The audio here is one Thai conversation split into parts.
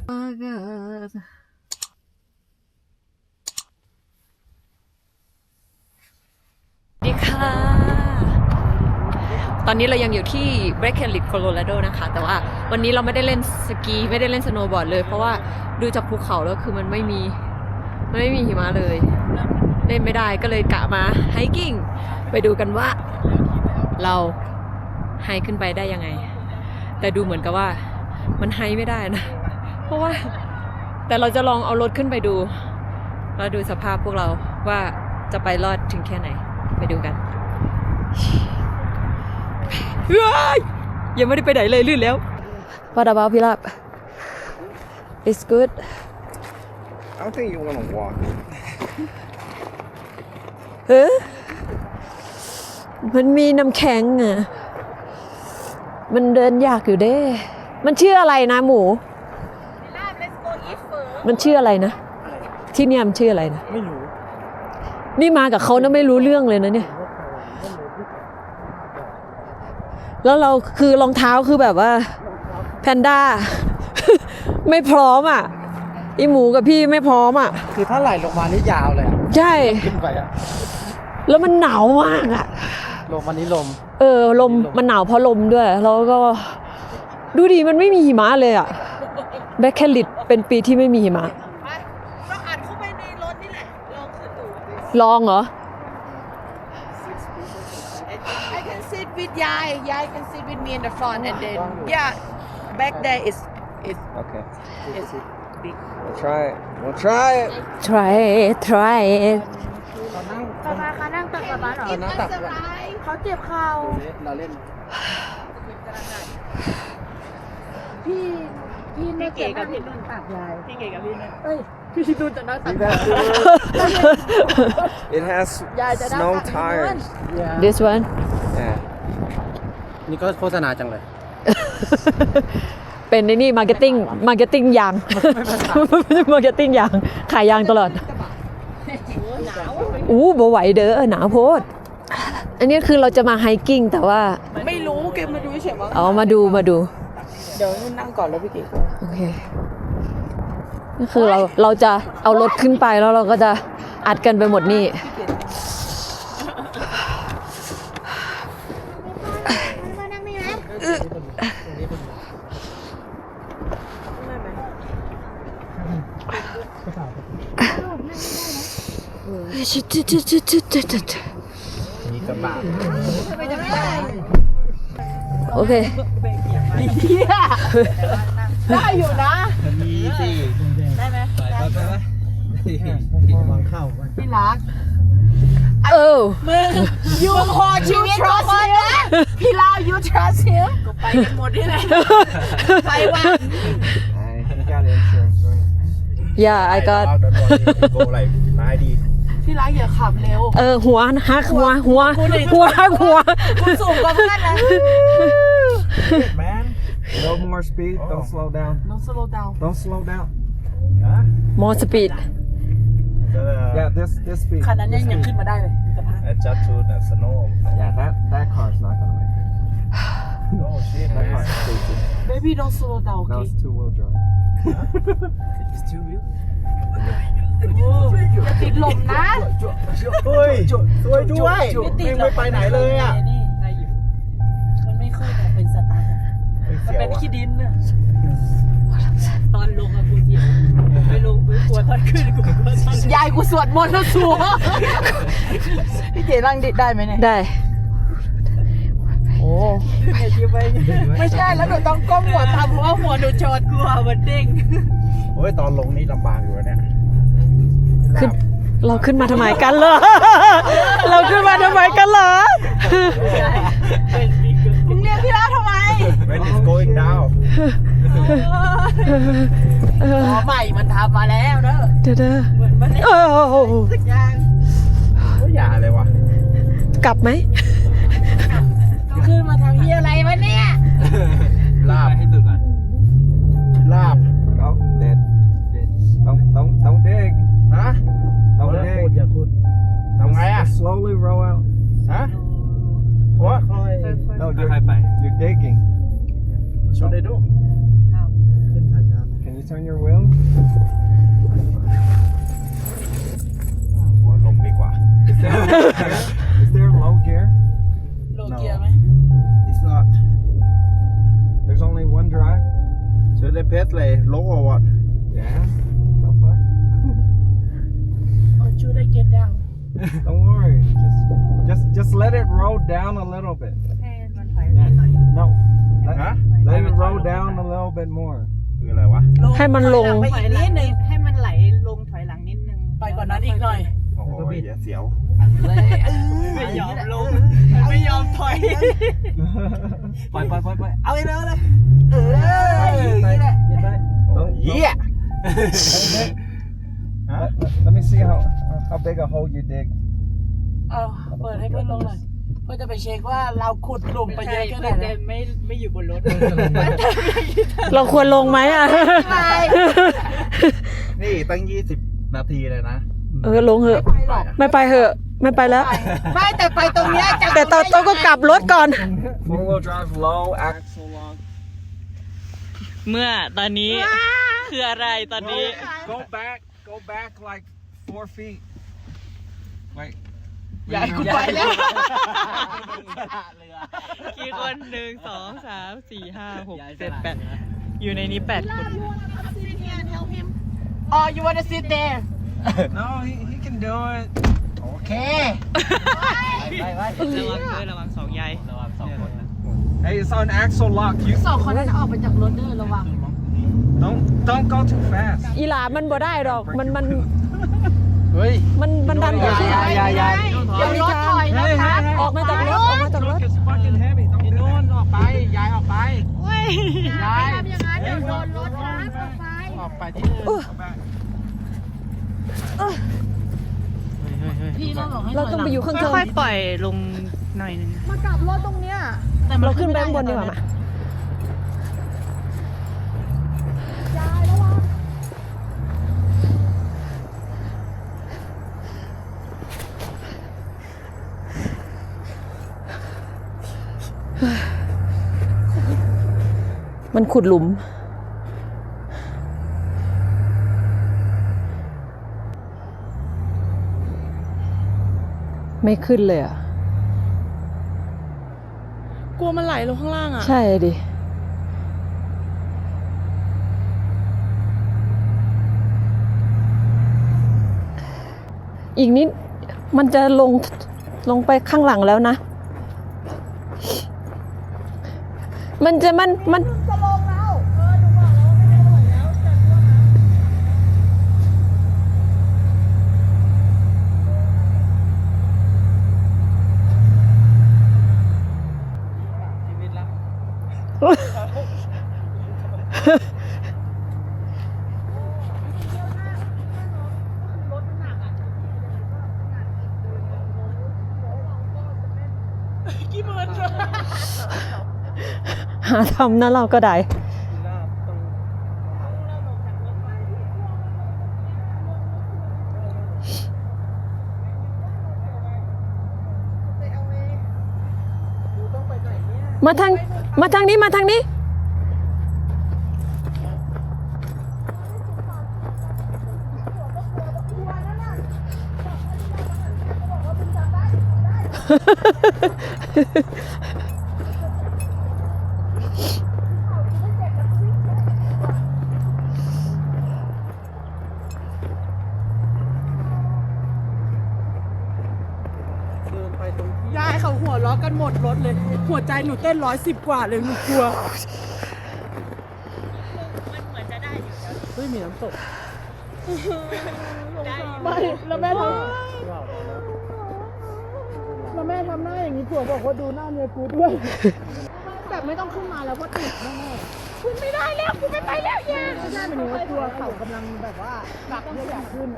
ดีค่ะตอนนี้เรายังอยู่ที่ Breckenridge Colorado นะคะแต่ว่าวันนี้เราไม่ได้เล่นสกีไม่ได้เล่นสโนว์บอร์ดเลยเพราะว่าดูจากภูเขาแล้วคือมันไม่มีหิมะเลยเล่นไม่ได้ก็เลยกะมาไฮกิ้งไปดูกันว่าเราไฮขึ้นไปได้ยังไงแต่ดูเหมือนกับว่ามันไฮไม่ได้นะเพราะว่าแต่เราจะลองเอารถขึ้นไปดูแล้วดูสภาพพวกเราว่าจะไปรอดถึงแค่ไหนไปดูกันยังไม่ได้ไปไหนเลยลื่นแล้ว What about พี่ลาบ It's good I don't think you want to walk. เฮ้ยมันมีน้ำแข็งอ่ะมันเดินยากอยู่เด้มันชื่ออะไรนะหมูมันชื่ออะไรนะที่เนี่ยมันชื่ออะไรนะไม่รู้นี่มากับเขานะไม่รู้เรื่องเลยนะเนี่ยแล้วเราคือรองเท้าคือแบบว่าแพนด้า ไม่พร้อมอ่ะอีหมูกับพี่ไม่พร้อมอ่ะคือถ้าไหลลงมานี่ยาวเลยอ่ะใช่ขึ้นไปอ่ะแล้วมันหนาวมากอ่ะลมวันนี้ลมลมมันหนาวเพราะลมด้วยแล้วก็ดูดิมันไม่มีหิมะเลยอ่ะแบคแคลิดเป็นปีที่ไม่มีหิมะเราอ่านเข้าไปในรถนี่แหละลองขึ้นดูลองเหรอ I can sit with ยาย can sit with me in the front and then yeah back there is Okay. big We'll try it. We'll try it. try it ป๊าป๊าคะนั่งตักป๊าป๊าเหรอเขาเจ็บเข่าเราเล่นพี่น่าจะนั่งตักยายพี่เก๋กับพี่นุ่นพี่นุ่นจะนั่งตัก It has snow tires. this one Yeah. นี่ก็โฆษณาจังเลยเป็นในนี่มาร์เก็ตติ้งยางมาร์เก็ตติ้งยางขายยางตลอดบ่ไหวเด้อหนาวโพดอันนี้คือเราจะมาไฮกิ้งแต่ว่าไม่รู้แกมาดูเฉยๆอ๋อมาดูเดี๋ยวนุ่นนั่งก่อนแล้วพี่เก๋โอเคนี่คือเราจะเอารถขึ้นไปแล้วเราก็จะอัดกันไปหมดนี่มีกระบะโอเคได้อยู่นะมีสิได้ไหมไปวางเข้าพี่รักมึงยูขอชีวิตทุกคนนะพี่ลาว you trust him ก็ไปกันหมดนี่แหละไปวัน I got insurance, right? Yeah I got Go like 90. พี่รักอย่าขับเร็วหัวหักหัวคุณสูงกว่าเพื่อนนะ Man, no more speed. Don't slow down. Don't slow down Don't slow down. more speed Yeah, this speed. คันนั้นยังขึ้นมาได้เลย Adjust to the snow. Yeah, that car's not gonna make it. Oh shit, That man. car's stupid. Baby don't slow down No, okay it's two-wheel drive. It's two wheel. อย่าติดลมนะเฮ้ยช่วยด้วย ไม่ไปไหนเลยอ่ะมันไม่ค่อยแบบเป็นสตาร์ทมันเป็นขี้ดินน่ะตอนลงอะกูเสียวไม่ลงไม่กลัวตอนขึ้นกูกลัวตอนยายกูสวดมนต์แล้วสัวพี่เก๋นั่งดิได้ไหมเนี่ยได้โอ้ไม่ใช่แล้วหนูต้องก้มหัวตามเพราะว่าหัวหนูชนกลัวมันเด้งโอ้ยตอนลงนี่ลำบากอยู่เนี่ยเราขึ้นมาทำไมกันเหรอเราขึ้นมาทำไมกันเหรอมึงเรียกพี่ลาทำไม When it's going down อ๋อใหม่มันทำมาแล้วเนอะเด้อเหมือนมันสักอย่างก็อย่าเลยวะกลับไหมขึ้นมาทำเหี้ยอะไรวะเนี่ยลาบให้ตื่นก่อนลาบ Oh, dead. Don't dig. ฮะ Don't อย่า dig. ขุดทำไงอ่ะ Just slowly roll out. ฮะwhat No, you're digging. What should I do ขึ้นช้า Can you turn your wheel? ว่าลงดีกว่า Is there low gear? โลเกียร์ไหม It's not There's only one drive. Should I press like low or what Yeah. So fun. Or should I get down Don't worry. Just let it roll down a little bit. ให้มันถอย No. Let, ฮะ let it roll down a little bit more. คืออะไรวะให้มันลงไปอีกนิดนึงให้มันไหลลงถอยหลังนิดนึงไปกว่านั้นอีกหน่อยโอ้โหอย่าเสียวไม่ยอมลง ไม่ยอมถอยปล่อยเอาไปเลย Don't- เยี่ย Let me see how big a hole you dig. เอาเปิดให้เพื่อนลงหน่อยเพื่อจะไปเช็คว่าเราขุดหลุมไปเยอะแค่ไหนแต่ไม่อยู่บนรถเราควรลงไหมอ่ะนี่ตั้ง20 นาทีเลยนะลงเหอะไม่ไปเหอะไม่ไปแล้วไม่แต่ไปตรงเนี้ยจะแต่ต้องก็กลับรถก่อน Four-wheel drive, low, axle long. เมื่อตอนนี้ คืออะไรตอนนี้ Go back like 4 feet. Wait. ใหญ่กูไปแล้วกี่คน1 2 3 4 5 6 7 8อยู่ในนี้8 คน Oh you wanna sit there No, he can do it. โอเคระวัง2ใย Hey, it's on axle lock. You สองคนนั้นออกไปจากรถเด้อระวัง don't go too fast. อีหลามันบ่ได้หรอกมันเฮ้ยมันดันไปที่อย่าเดี๋ยวรถถอยนะคะออกมาจากรถออกมาจากรถ It's fucking heavy. Don't do that. ออกไปย้ายออกไปย้ายเดี๋ยวโดนรถนะออกไปที่อื่น Go back. พี่เราบอกให้เราต้องไปอยู่ข้างเทิงค่อยๆปล่อยลงหน่อยนึงเราขึ้นไปข้างบนดีกว่ามามันขุดหลุม ไม่ขึ้นเลยอ่ะกลัวมันไหลลงข้างล่างอ่ะใช่ดิ อีกนิดมันจะลงไปข้างหลังแล้วนะ มันจะมันหาทำนะเราก็ได้ มาทางนี้มาทางนี้ยายเขาหัวล้อกันหมดรถเลย หัวใจหนูเต้น110 กว่าเลยหนูกลัวมันเหมือนจะได้อยู่แล้วเฮ้ยมีน้ำตกไม่แล้วแม่ทำหน้าอย่างนี้ผัวบอกว่าดูหน้าเมียกูด้วย แบบไม่ต้องขึ้นมาแล้วเพราะติดแน่ๆขึ้นไม่ได้แล้วกูไม่ไปแล้วย่าใช่เป็นว่ากลัวเขากำลังแบบว่าหนักเพื่ออยากขึ้น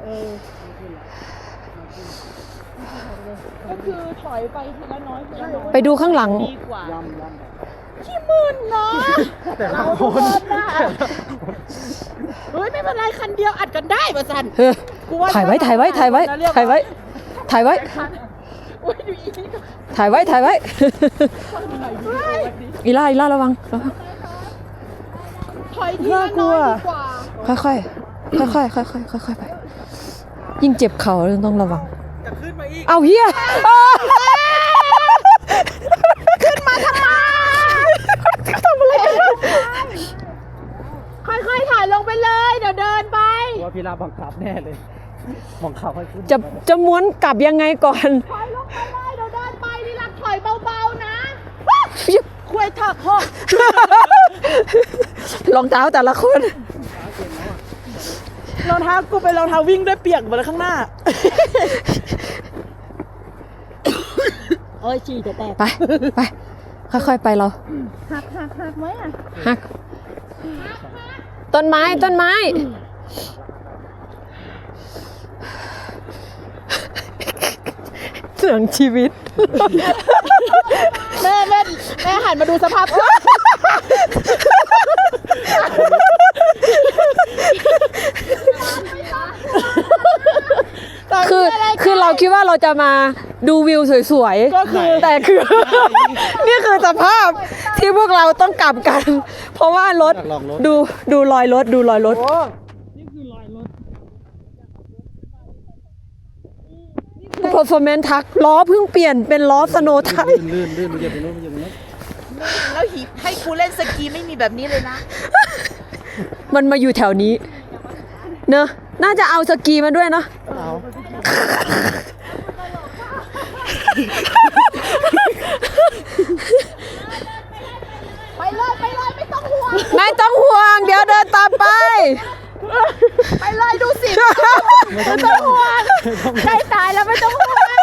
ก็คือถอยไปทีละน้อยทีละน้อยไปดูข้างหลังดีกว่าขี้มึนเนาะเราทุกคนนะเฮ้ยไม่เป็นไรคันเดียวอัดกันได้ป่ะสันเฮ้ยถ่ายไว้ถ่ายไว้ถ่ายไว้ถ่ายไว้ถ่ายไว้อุ้ยดูอีนี่ถ่ายไว้ถ่ายไว้ อีล่าระวังถน่ากลัวค่อยๆค่อยๆค่อยๆค่อยๆไป ยิ่งเจ็บเข่าต้องระวังจะขึ้นมาอีกเอาเฮียขึ้นมาทำไมทำอะไรค่อยๆถ่ายลงไปเลยเดี๋ยวเดินไปว่าพี่ลาบังคับแน่เลยบังคับให้ขึ้นจะม้วนกลับยังไงก่อนถอยลงไปเลยเดี๋ยวเดินไปนี่รักถอยเบาๆนะคุยถักหอกรองเท้าแต่ละคนรองเท้ากูเป็นรองเท้าวิ่งด้วยเปียกหมดเลยข้างหน้าโอ้ยฉี่จะแตกไปไปค่อยๆไปเราหักไหมอ่ะหักต้นไม้ต้นไม้ เสียงชีวิตแม่หันมาดูสภาพคือเราคิดว่าเราจะมาดูวิวสวยๆก็คือแต่คือ นี่คือสภาพที่พวกเราต้องกลับกัน เพราะว่ารถดูรอยรถดูรอยรถ performance ทักล้อเพิ่งเปลี่ยนเป็นล้อสโนว์ไทยลื่นมันจะไปโน้นมันจะไปโน้นแล้วหิให้กูเล่นสกีไม่มีแบบนี้เลยนะมันมาอยู่แถวนี้ เนอะน่าจะเอาสกีมาด้วยเนาะเอาไปเลยไม่ต้องห่วงไม่ต้องห่วง เดี๋ยวเดินตามไปไปเลยดูสิไม่ต้องห่วงใกล้ตายแล้วไม่ต้องห่วง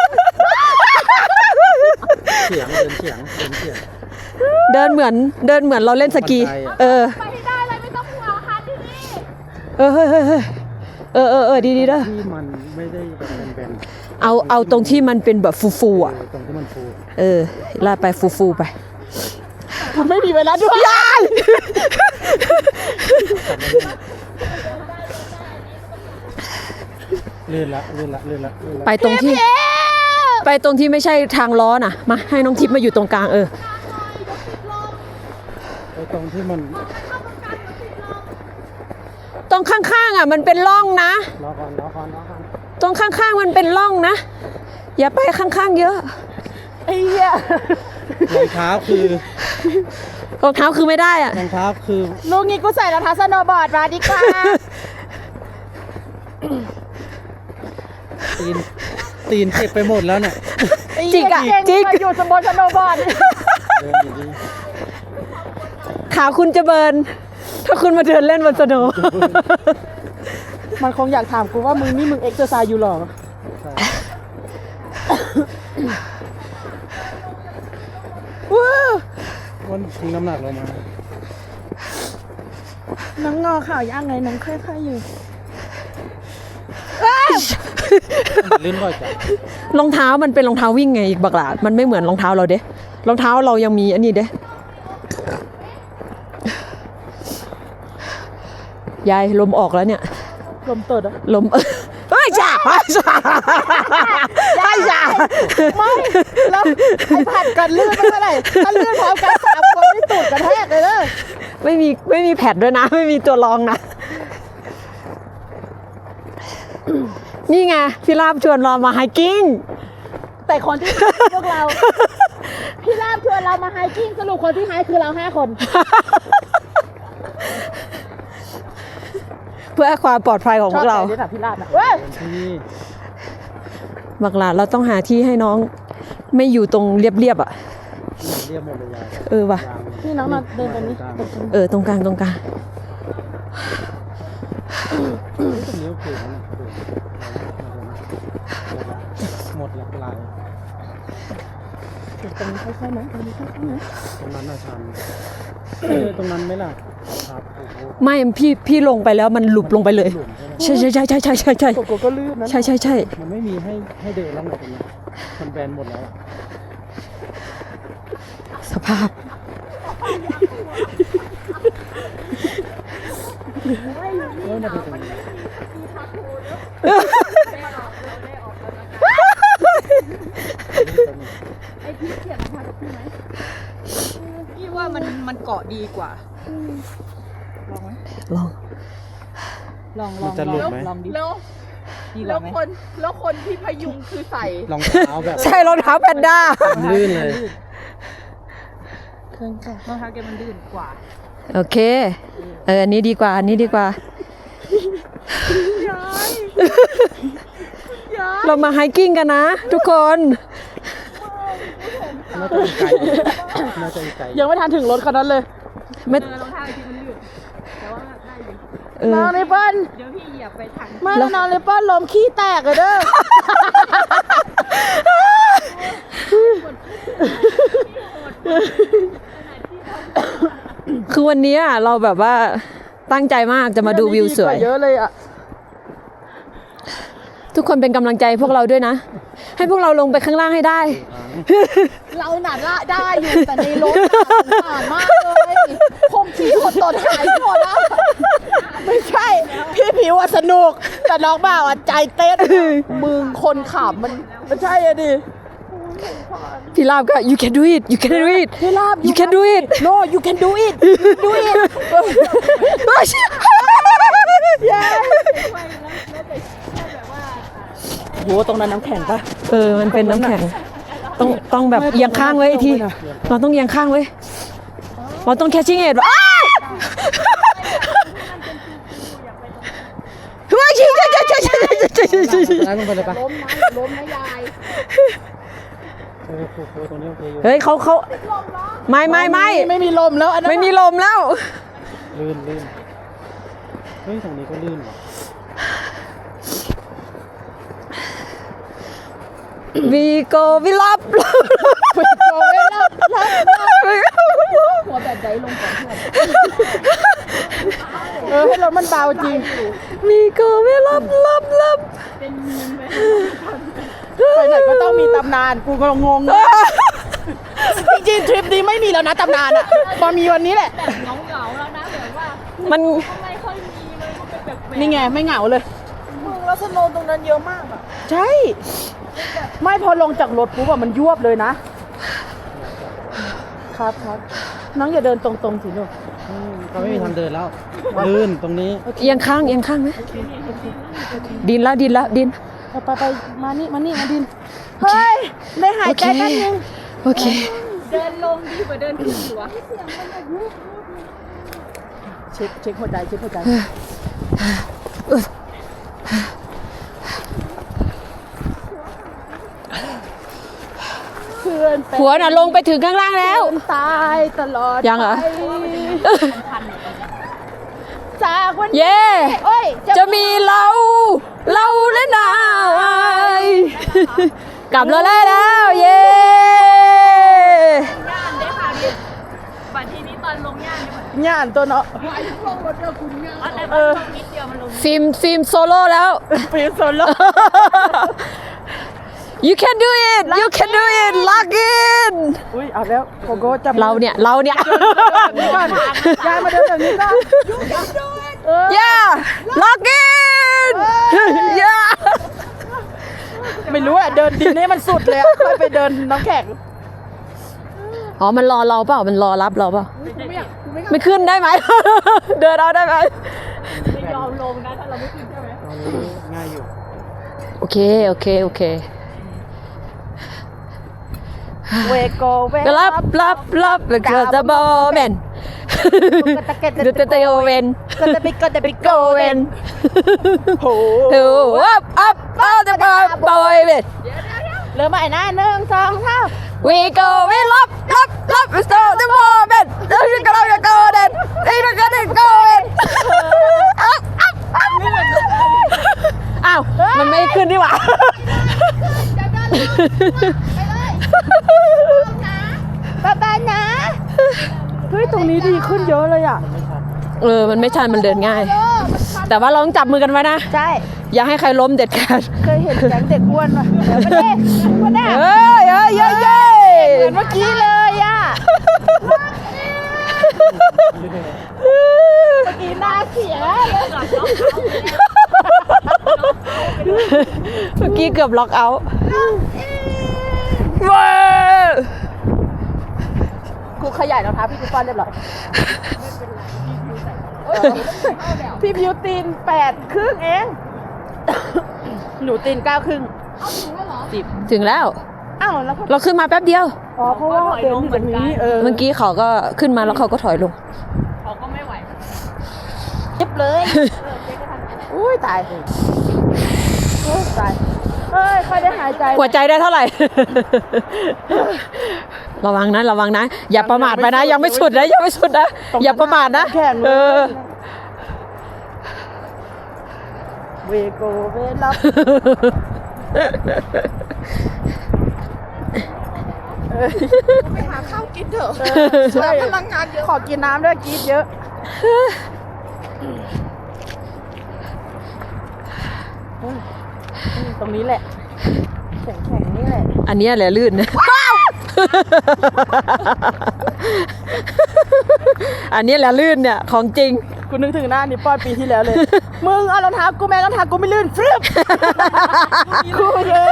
เสียงเดินเหมือนเราเล่นสกี เออไปให้ได้เลยไม่ต้องห่วงค่ะที่นี่เออเฮ้ยดีเด้อที่มันไม่ได้แบบแบนเอาตรงที่มันเป็นแบบฟูๆอ่ะตรงที่มันฟูเออลาดไปฟูๆไปคุณไม่มีเวลาด้วยยายลื่นละไปตรงที่ไม่ใช่ทางล้อน่ะ มาให้น้องทิพย์มาอยู่ตรงกลางเออไปตรงที่มันตรงข้างๆอ่ะมันเป็นร่องนะรอก่อนตรงข้างๆมันเป็นร่องนะ อย่าไปข้างๆเยอะไอ้เหี้ยรองเท้าคือรองเท้าคือไม่ได้อ่ะรองเท้าคือลูกนี้กูใส่รองเท้าสโนว์บอร์ดมาดีกว่าตีนเจ็บไปหมดแล้วเนี่ยจิกอะจิกมาอยู่สมบูรณ์สโนว์บอร์ดเดินอยู่ดีขาคุณจะเบิร์นถ้าคุณมาเดินเล่นบนสโนว์มันคงอยากถามกูว่ามึงนี่มึงเอ็กซ์เซอร์ไซส์อยู่หรอวันทิ้งน้ำหนักลงมาน้องงอข่าวย่างไงน้องค่อยๆอยู่ลื่นบ่อยจังรองเท้ามันเป็นรองเท้าวิ่งไงอีกบักหลามันไม่เหมือนรองเท้าเราเด้รองเท้าเรายังมีอันนี้เด้ยายลมออกแล้วเนี่ยลมตดอ่ะลมเฮ้ยจ้าไม่จ้าไม่แล้วไอ้ผัดกันลื่นไม่เป็นไรถ้าลื่นพร้อมกัน3 คนนี่ตูดกระแทกเลยเด้อไม่มีแพดด้วยนะ ไม่มีตัวรองนะ นี่ไงพี่ลาบชวนเรามาไฮกิ้งแต่คนที่พวกเรา พี่ลาบชวนเรามาไฮกิ้งสรุปคนที่ไฮคือเรา5 คนเพื่อความปลอดภัยของพวกเราชอบแต่นี่แบบพี่ลาบนะเว้ยที่บักหลาเราต้องหาที่ให้น้องไม่อยู่ตรงเรียบๆอ่ะเรียบหมดเลยยายเออว่ะนี่น้องมาเดินตรงนี้เออตรงกลางตรงนี้โอเคแล้วนะหมดละลายตรงนี้ค่อยๆนะตรงนี้ค่อยๆนะตรงนั้นน่าชันตรงนั้นไหมล่ะครับโอ้โหไม่พี่ลงไปแล้วมันหลุบลงไปเลยหลุมใช่ไหมใช่โกโก้ก็ลื่นนะใช่มันไม่มีให้เดินแล้วไงตรงนี้มันแบนหมดแล้วอะสภาพเออมาดูตรงนี้พี่ว่ามันเกาะดีกว่าลองมันจะหลุดไหมลองดิแล้วดีกแล้ว่าว ไหมคนที่พยุงคือใส่รองเท้าแบบใช่รองเท้าแพนด้าลื่นเลยเครื่องค่ะรองเท้าแกมันลื่นกว่าโอเค อันนี้ดีกว่า อันนี้ดีกว่า เรามาไฮกิ้งกันนะ ทุกคนน่าจะอีกไกลน่าจะอีกไกลยังไม่ทันถึงรถคันนั้นเลยไม่รองเท้าที่มันลื่นแต่ว่าได้อยู่น้องเลเปิ้ลเดี๋ยวพี่เหยียบไปถังไม่น้องเลเปิ้ลลมขี้แตกเลยเด้อคือวันนี้เราแบบว่าตั้งใจมากจะมาดูวิวสวยเยอะเลยอ่ะทุกคนเป็นกำลังใจพวกเราด้วยนะ ให้พวกเราลงไปข้างล่างให้ได้เราหนาละได้อยู่แต่ในรถผ่านมากเลยคงขี้หดตดหายหมดแล้วไม่ใช่ พี่ผิวอ่ะสนุก แต่น้องบ่าวอ่ะใจเต้นมึงคนขับมันไม่ใช่อะดิพี่ลาบก็ you can do it you can do it พี่ลาบ you can do it no you can do it do it โหตรงนั้นน้ำแข็งปะมันเป็นน้ำแข็ง ต้องแบบเอียงข้างไว้อีกที เราต้องเอียงข้างไว้ เราต้อง catching it อ้าวเฮ้ยชิชิชิชิชิชิชิร้านลงไปเลยปะล้มนะยายโอ้โหตรงนี้โอเคอยู่เฮ้ยเขาไม่ไม่มีลมแล้วอันนั้นไม่มีลมแล้วลื่นเฮ้ยตรงนี้ก็ลื่นว่ะ we go we love หัวแบบใดลงก่อนเพื่อนให้รถมันเบาจริง we go we love ไปไหนก็ต้องมีตำนานกูก็งง จริงๆทริปนี้ไม่มีแล้วนะตำนานอ่ะพอมีวันนี้แหละเหงาแล้วนะแบบว่ามันไม่ค่อยมีเลยมันเป็นแบบนี่ไงไม่เหงาเลยมึงแล้วสโนว์ตรงนั้นเยอะมากอ่ะใช่ ไม่พอลงจากรถปุ๊บอะมันยวบเลยนะ ครับน้องอย่าเดินตรงๆสิลูกเขาไม่มีทางเดินแล้ว ลื่นตรงนี้เอียงข้างไหมดินดินไปมานี่มาดิน เฮ้ย ได้หายใจแป๊บนึงโอเคเดินลงดีกว่าเดินขึ้นอยู่วะเช็คหัวใจเพื่อนเป็นหัวน่ะลงไปถึงข้างล่างแล้วตายตลอดยังเหรอไปจากวันนี้เย่โอ้ยจะมีเราและนายกลับเราได้แล้วเย่ย่านได้ค่ะดิบัดทีนี้ตอนลงย่านเนี่ยย่านตัวเนาะลงรถเดียวคุณย่านอะไรเออลงนิดเดียวมันลงฟิล์มโซโล่แล้วฟิลโซโล you can do it lock in อุ้ยเอาแล้วโกโก้จับเราเนี่ยนี่ก่อนยายมาเดินแบบนี้ก่อน yeah lock in yeah ไม่รู้อะเดินดินให้มันสุดเลยอะค่อยไปเดินน้ำแข็งอ๋อมันรอเราเปล่ามันรอรับเราเปล่าไม่ขึ้นได้ไหม เดินเอาได้ไหมไม่ยอมลงนะถ้าเราไม่ขึ้นใช่ไหมตรงนี้ง่ายอยู่โอเคเวโกเวรับแล้วก็จะบอเมนดูเตโอเวนก็จะไปโกเวนโห up all the boy เวนเริ่มใหม่นะ1 2 3 we go we love so the moment we go then we go then อ้าวมันไม่ขึ้นดีกว่าบ๊ายนะเฮ้ยตรงนี้ดีขึ้นเยอะเลยอ่ะมันไม่ชันมันเดินง่าย แต่ว่าเราต้องจับมือกันไว้นะใช่อย่าให้ใครล้มเด็ดขาดเคยเห็นแก๊งเด็กอ้วนป่ะเดี๋ยวมาเด้มาเด้เฮ้ยเหมือนเมื่อกี้เลยอ่ะเมื่อกี้หน้าเสียเลยเมื่อกี้เกือบล็อกเอาท์ว้าวกูขยายรองเท้าพี่กูป้อนเรียบร้อยพี่บิวตีน8 ครึ่งเอง หนูตีน9 ครึ่งถึงแล้วอ้าวแล้วก็เราขึ้นมาแป๊บเดียวอ๋อเพราะว่าเดินอยู่แบบนี้เมื่อกี้เขาก็ขึ้นมาแล้วเขาก็ถอยลงเขาก็ไม่ไหวเจ็บเลยอุ้ยตายโอ้ยตายเฮ้ยค่อยได้หายใจหัวใจได้เท่าไหร่ ระวังนะระวังนะ อย่าประมาทไปนะ ยังไม่สุดนะยังไม่สุดนะอย่าประมาทนะแข่งเลเอย อเวโกเวลับไปหาข้าวกินเถอะแต่พลังงานเยอะขอกินน้ำด้วยกินเยอะตรงนี้แหละแข็งๆนี่แหละอันเนี้ยแหละลื่นนะ อันเนี้ยแหละลื่นเนี่ยของจริงกูนึกถึงหน้านี่ป้อนปีที่แล้วเลย มึงเอารองเท้ากูแม่รองเท้ากูไม่ลื่นฟรึบกูเยอะ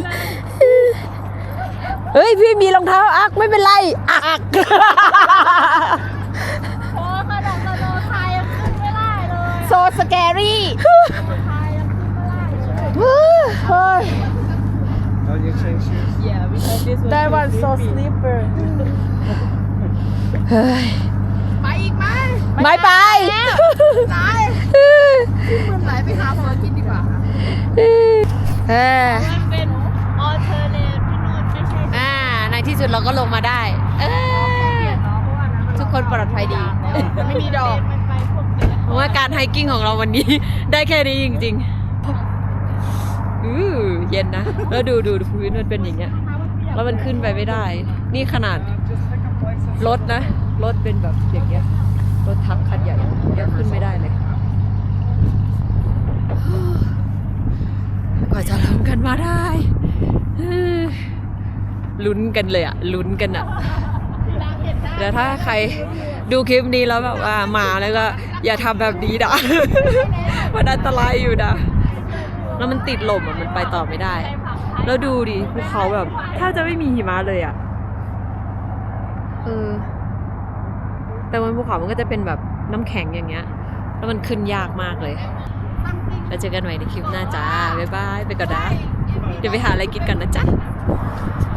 เฮ้ยพี่มีรองเท้าอักไม่เป็นไรอักโอ้ขนาดโลไทยยังขึ้นไม่ได้เลยโซสแกรี่ไทยยังขึ้นไม่ได้เลยเฮ้ย Oh, you change shoes? that one so slipper เฮ้ยไปอีกไหมไม่ไปไหนมึงไหนไปหาเฟอร์กินดีกว่าเออมันเป็นออเทอร์เนทพี่นุ่นไม่ใช่ในที่สุดเราก็ลงมาได้ทุกคนปลอดภัยดีไม่มีดอกมันไปพวกเนี้ยเพราะว่าการไฮกิ้งของเราวันนี้ ได้แค่นี้จริงๆเย็นนะ แล้วดูพื้นมันเป็นอย่างเงี้ย แล้วมันขึ้นไปไม่ได้ นี่ขนาดรถนะ รถเป็นแบบอย่างเงี้ย รถทับคันใหญ่ยังขึ้นไม่ได้เลย กว่าจะลงกันมาได้ลุ้นกันเลยอะลุ้นกันอะเดี๋ยวถ้าใครดูคลิปนี้แล้วแบบว่ามาแล้วก็อย่าทำแบบนี้นะ มันอันตรายอยู่นะแล้วมันติดลมอะมันไปต่อไม่ได้ แล้วดูดิภูเขาแบบแทบจะไม่มีหิมะเลยอะแต่บนภูเขามันก็จะเป็นแบบน้ำแข็งอย่างเงี้ยแล้วมันขึ้นยากมากเลยแล้วเจอกันใหม่ในคลิปหน้าจ้าบ๊ายบายไปก่อนนะเดี๋ยวไปหาอะไรกินกันนะจ๊ะ